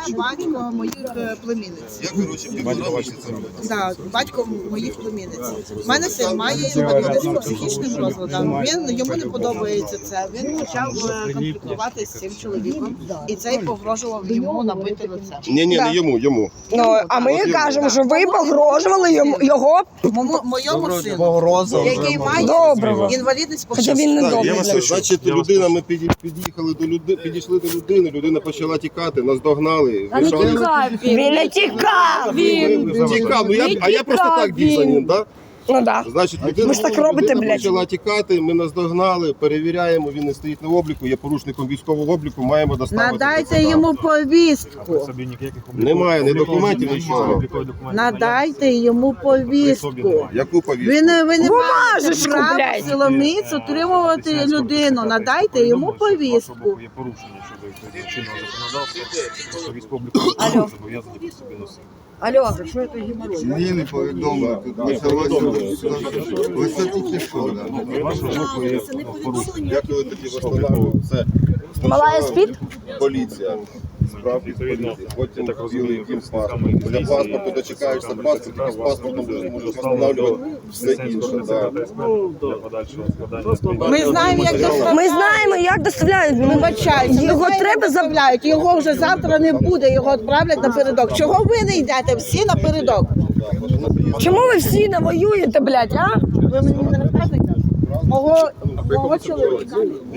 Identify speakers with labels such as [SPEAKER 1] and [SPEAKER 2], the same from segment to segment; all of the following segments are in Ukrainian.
[SPEAKER 1] батько моїх племінниць.
[SPEAKER 2] Як ви ручі підготовлюєте це робити?
[SPEAKER 1] Так, батько моїх племінниць. У мене син має інвалідність по психічним розладам. Йому не подобається це. Він почав конфліктувати з цим чоловіком. І цей погрожував йому набити лице.
[SPEAKER 2] Ні, не йому.
[SPEAKER 3] Ну, а ми кажемо, що ви погрожували його.
[SPEAKER 1] Моєму сину, який має інвалідність по
[SPEAKER 3] Хоча він не
[SPEAKER 2] Так,
[SPEAKER 3] добрий.
[SPEAKER 2] значить, людина, ми підійшли до людини, людина почала тікати, нас догнали.
[SPEAKER 3] Він не тікав.
[SPEAKER 2] Тікав, а я просто так біг за ним, так?
[SPEAKER 3] Ну так.
[SPEAKER 2] Значить, людина
[SPEAKER 3] робите, блядь.
[SPEAKER 2] почала тікати, ми наздогнали, перевіряємо, він не стоїть на обліку, є порушником військового обліку, маємо доставити.
[SPEAKER 1] Надайте йому повістку.
[SPEAKER 2] Немає ні документів, нічого.
[SPEAKER 1] Надайте йому повістку.
[SPEAKER 2] Яку повістку?
[SPEAKER 1] Ви не маєте
[SPEAKER 3] Бумажечку,
[SPEAKER 1] права
[SPEAKER 3] блядь.
[SPEAKER 1] силоміць утримувати людину. Надайте йому повістку.
[SPEAKER 4] Є порушення щодо чинного законодавства, що військово-облікові зобов'язані при собі носити.
[SPEAKER 1] Алло.
[SPEAKER 5] Мені не повідомили, тут почалося лише тільки що.
[SPEAKER 4] Вашого боку є порушення.
[SPEAKER 2] Як ви тоді встановлювали? Це
[SPEAKER 3] Малая спить?
[SPEAKER 2] поліція. Справді поліція. Потім
[SPEAKER 4] так розумію,
[SPEAKER 2] яким паспортом. Для паспорту дочекаєшся паспорт, і з паспортом вже можеш встановлювати все інше. Да.
[SPEAKER 4] Для подальшого складання.
[SPEAKER 1] Ми знаємо, як доставляють.
[SPEAKER 3] Ми знаємо, як доставляють.
[SPEAKER 1] Вибачайте,
[SPEAKER 3] Його треба
[SPEAKER 1] заставляють. Його вже завтра не буде, його відправлять напередок. Чого ви не йдете всі напередок?
[SPEAKER 3] Чому ви всі навоюєте, блядь, а?
[SPEAKER 1] Ви мені не розказуєте? Мого чоловіка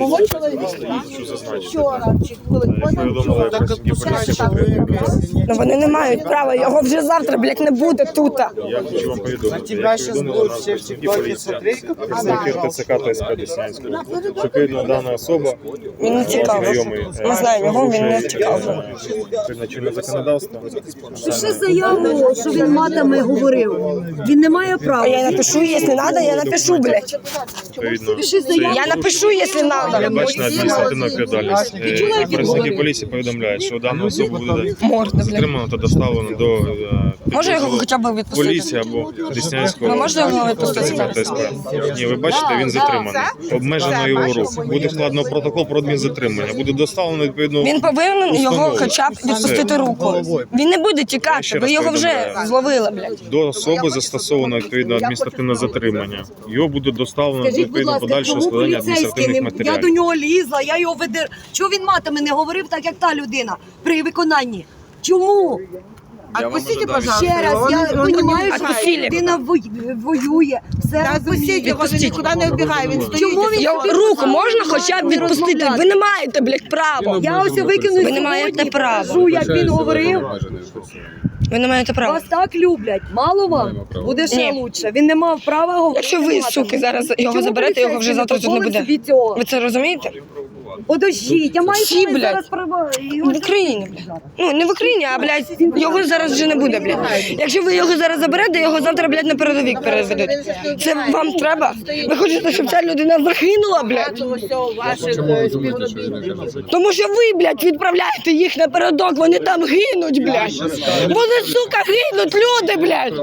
[SPEAKER 1] вчора чи коли
[SPEAKER 4] Повідомили працівників поліції.
[SPEAKER 3] Ну вони не мають права, його вже завтра, блядь, не буде тут.
[SPEAKER 4] Я хочу вам повідомити, як повідомила нам працівники поліції, представників ТЦК та СП Деснянського, що відповідно дана особа
[SPEAKER 3] Він не тікав.
[SPEAKER 4] знайомий.
[SPEAKER 3] Ми знаємо його, він не тікав.
[SPEAKER 4] Відповідно чинне законодавство.
[SPEAKER 6] Пиши заяву, що він матами говорив. Він не має
[SPEAKER 3] А
[SPEAKER 6] права.
[SPEAKER 3] я напишу, якщо треба, я напишу, блядь.
[SPEAKER 4] Відповідно,
[SPEAKER 3] Я напишу, якщо треба.
[SPEAKER 4] передбачена адміністративна відповідальність. Працівники поліції повідомляють, що дану особу буде затримано та доставлено до
[SPEAKER 3] Може його хоча б відпустити?
[SPEAKER 4] поліції або Деснянського
[SPEAKER 3] Ви можете його відпустити?
[SPEAKER 4] ТСП. Ні, ви бачите, він затриманий. Обмежено його рух. Буде складено протокол про адмінзатримання. Буде доставлено відповідно.
[SPEAKER 3] Він повинен його
[SPEAKER 4] установу.
[SPEAKER 3] хоча б відпустити руку. Він не буде
[SPEAKER 4] Я
[SPEAKER 3] тікати,
[SPEAKER 4] ще
[SPEAKER 3] ви
[SPEAKER 4] раз
[SPEAKER 3] його вже
[SPEAKER 4] повідомляю.
[SPEAKER 3] зловили, блядь.
[SPEAKER 4] До особи застосовано відповідно адміністративне затримання. Його буде доставлено
[SPEAKER 6] Скажіть, будь
[SPEAKER 4] відповідно
[SPEAKER 6] ласка,
[SPEAKER 4] подальшого
[SPEAKER 6] чому
[SPEAKER 4] складання
[SPEAKER 6] поліцейський
[SPEAKER 4] адміністративних
[SPEAKER 6] не... Я до
[SPEAKER 4] матеріалів.
[SPEAKER 6] нього лізла, я його ведер... Чого він матами не говорив так, як та людина при виконанні? Чому?
[SPEAKER 1] Отпустите,
[SPEAKER 6] Ще
[SPEAKER 1] пожалуйста.
[SPEAKER 6] раз, я розумію, що
[SPEAKER 3] Отпустили.
[SPEAKER 6] людина воює, все
[SPEAKER 1] Отпустіть, його вже нікуди не вбігає, він стоїть.
[SPEAKER 6] Чому він
[SPEAKER 3] Його
[SPEAKER 6] собі
[SPEAKER 3] руку
[SPEAKER 6] дозволяє
[SPEAKER 3] можна хоча б
[SPEAKER 6] не
[SPEAKER 3] відпустити?
[SPEAKER 6] розмовляти?
[SPEAKER 3] Ви не маєте, блядь, права.
[SPEAKER 6] Я ось викину
[SPEAKER 3] Ви не маєте
[SPEAKER 6] сьогодні,
[SPEAKER 3] права.
[SPEAKER 6] покажу, як він говорив.
[SPEAKER 3] Ви не маєте права.
[SPEAKER 6] Вас так люблять, мало вам? Буде ще
[SPEAKER 3] Ні.
[SPEAKER 6] лучше. Він не мав права говорити.
[SPEAKER 3] Якщо ви,
[SPEAKER 6] матами.
[SPEAKER 3] суки, зараз його
[SPEAKER 6] Чому
[SPEAKER 3] заберете, його вже завтра тут не
[SPEAKER 6] дозволив
[SPEAKER 3] буде.
[SPEAKER 6] собі цього?
[SPEAKER 3] Ви це розумієте?
[SPEAKER 6] Подождіть, я маю
[SPEAKER 3] Всі,
[SPEAKER 6] право
[SPEAKER 3] блядь.
[SPEAKER 6] зараз права.
[SPEAKER 3] В Україні, блядь. Ну, не в Україні, а, блядь, його зараз вже не буде, блядь. Якщо ви його зараз заберете, його завтра, блядь, на передовик переведуть. Це вам треба? Ви хочете, щоб ця людина загинула, блядь?
[SPEAKER 1] Ваших співробітників.
[SPEAKER 3] Тому що ви, блядь, відправляєте їх на передок, вони там гинуть, блядь. Вони, сука, гинуть люди, блядь.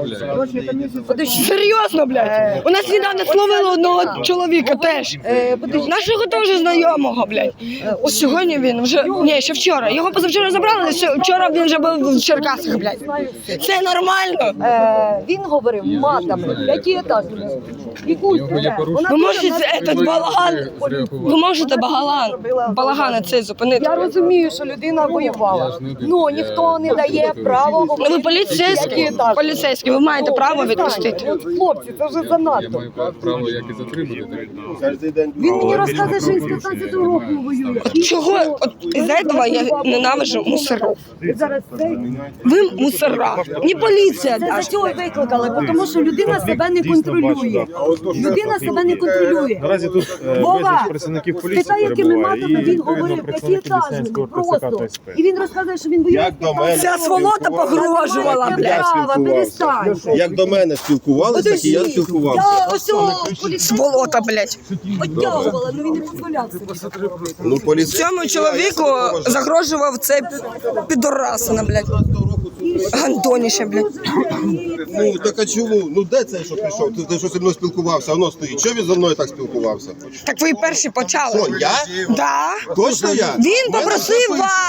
[SPEAKER 3] Серйозно, блядь. У нас недавно словили одного чоловіка теж. Нашого теж знайомого, блядь. Ось сьогодні він вже, ні, ще вчора. Його позавчора забрали, вчора він вже був в Черкасах, блядь. Це нормально?
[SPEAKER 6] Він говорив матами. Які етажі?
[SPEAKER 3] Ви можете этот балаган, ви можете балаган цей зупинити?
[SPEAKER 6] Я розумію, що людина воювала. Ну, ніхто не дає права
[SPEAKER 3] Ну
[SPEAKER 6] говорити.
[SPEAKER 3] ви поліцейські, ви маєте право відпустити.
[SPEAKER 6] От, хлопці, це вже занадто.
[SPEAKER 5] Право, як і затримати.
[SPEAKER 2] Кожен день
[SPEAKER 6] Він мені розказує, що він з 15 року воює.
[SPEAKER 3] Чого? От із-за цього я ненавижу мусоров.
[SPEAKER 6] Зараз це...
[SPEAKER 3] Ви мусора, не поліція
[SPEAKER 6] Це за
[SPEAKER 3] даже.
[SPEAKER 6] цього й викликали, тому що людина себе не контролює. Людина себе не контролює.
[SPEAKER 4] Наразі тут
[SPEAKER 6] Вова,
[SPEAKER 4] безліч працівників поліції
[SPEAKER 6] спитай, якими
[SPEAKER 4] перебуває
[SPEAKER 6] матами
[SPEAKER 4] і
[SPEAKER 6] він
[SPEAKER 4] відповідно
[SPEAKER 6] говорив,
[SPEAKER 4] представники
[SPEAKER 6] п'ятиэтажник,
[SPEAKER 4] Деснянського ТЦК
[SPEAKER 6] просто.
[SPEAKER 4] та СП.
[SPEAKER 6] І він розказує, що він воює.
[SPEAKER 2] Як до мене
[SPEAKER 3] Ця сволота погрожувала,
[SPEAKER 6] Має
[SPEAKER 3] блядь.
[SPEAKER 6] право, перестань.
[SPEAKER 2] Як до мене спілкувалися, так і я спілкувався.
[SPEAKER 6] Я ось цього поліцейського
[SPEAKER 3] Сволота, блядь.
[SPEAKER 6] підтягувала, але він не дозволяв собі.
[SPEAKER 2] Ну, поліцейський...
[SPEAKER 3] Цьому чоловіку загрожував цей підорасина, блядь. Гандоніще, блядь.
[SPEAKER 2] Ну, так а чому? Ну, де цей, що прийшов? Ти що зі мною спілкувався, воно стоїть. Чого він зі мною так спілкувався?
[SPEAKER 3] Так ви перші почали.
[SPEAKER 2] Що, я?
[SPEAKER 3] Да.
[SPEAKER 2] Точно я?
[SPEAKER 3] Він попросив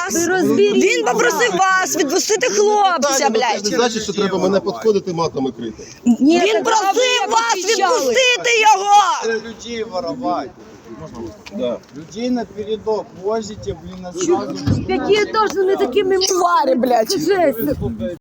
[SPEAKER 3] вас відпустити хлопця,
[SPEAKER 2] Це не
[SPEAKER 3] блядь.
[SPEAKER 2] значить, що треба мене підходити матами крити.
[SPEAKER 3] Він просив вас відпустити його.
[SPEAKER 5] Людей воровать.
[SPEAKER 2] Да.
[SPEAKER 5] Людей на передок возите, блин, а сразу...
[SPEAKER 6] Які теж не такими
[SPEAKER 3] Тварі, блядь.
[SPEAKER 6] жесть.